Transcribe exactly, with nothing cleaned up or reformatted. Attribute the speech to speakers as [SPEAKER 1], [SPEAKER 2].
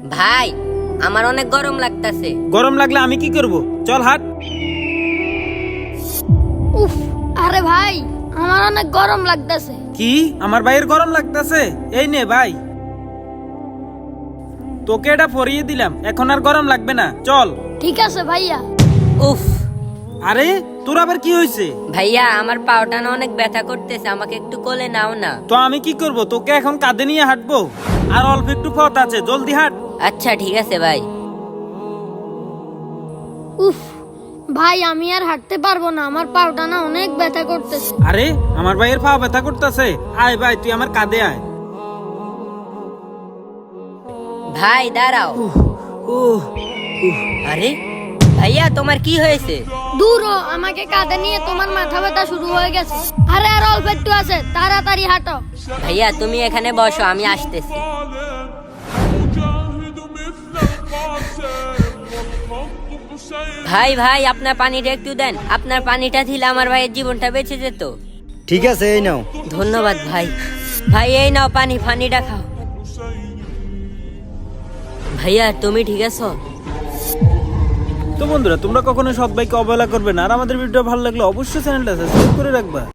[SPEAKER 1] ভাই আমার অনেক গরম লাগতাছে।
[SPEAKER 2] গরম লাগলে আমি কি করব? চল হাট।
[SPEAKER 3] উফ, আরে ভাই আমার অনেক গরম লাগতেছে।
[SPEAKER 2] কি আমার ভাইয়ের গরম লাগতাছে? এই নে ভাই, তোকে এটা পরিয়ে দিলাম, এখন আর গরম লাগবে না, চল।
[SPEAKER 3] ঠিক আছে ভাইয়া।
[SPEAKER 1] উফ
[SPEAKER 2] আরে তোর আবার কি হয়েছে?
[SPEAKER 1] ভাইয়া আমার পাওটা না অনেক ব্যথা করতেছে, আমাকে একটু কোলে নাও না।
[SPEAKER 2] তো আমি কি করব? তোকে এখন কাঁধে নিয়ে হাঁটবো, আর অল্প একটু পথ আছে, জলদি হাঁট।
[SPEAKER 1] আচ্ছা ঠিক আছে ভাই।
[SPEAKER 3] উফ ভাই আমি আর হাঁটতে পারবো না, আমার পাউটা না অনেক ব্যথা করতেছে।
[SPEAKER 2] আরে আমার ভাইয়ের পা ব্যথা করতেছে, আয় ভাই তুই আমার কাঁধে আয়।
[SPEAKER 1] ভাই দাঁড়াও।
[SPEAKER 2] উহ,
[SPEAKER 1] আরে ভাইয়া তোমার কি হয়েছে?
[SPEAKER 3] দূর হ, আমাকে কাঁধে নিয়ে তোমার মাথা ব্যথা শুরু হয়ে গেছে। আরে আর অল্প একটু আছে, তাড়াতাড়ি হাঁটো।
[SPEAKER 1] ভাইয়া তুমি এখানে বসো, আমি আসতেছি। ভাই ভাই আপনার পানিটা একটু দেন, আপনার পানিটা দিলে আমার ভাইয়ের জীবনটা বেঁচে যেত।
[SPEAKER 4] ঠিক আছে, এই নাও।
[SPEAKER 1] ধন্যবাদ ভাই। ভাই এই নাও পানি, পানিটা খাও। ভাইয়া তুমি ঠিক আছো?
[SPEAKER 2] তো বন্ধুরা, তোমরা কখনো সৎ ভাইকে অবহেলা করবে না, আর আমাদের ভিডিও ভালো লাগলে অবশ্যই চ্যানেলটা সাবস্ক্রাইব করে রাখবা।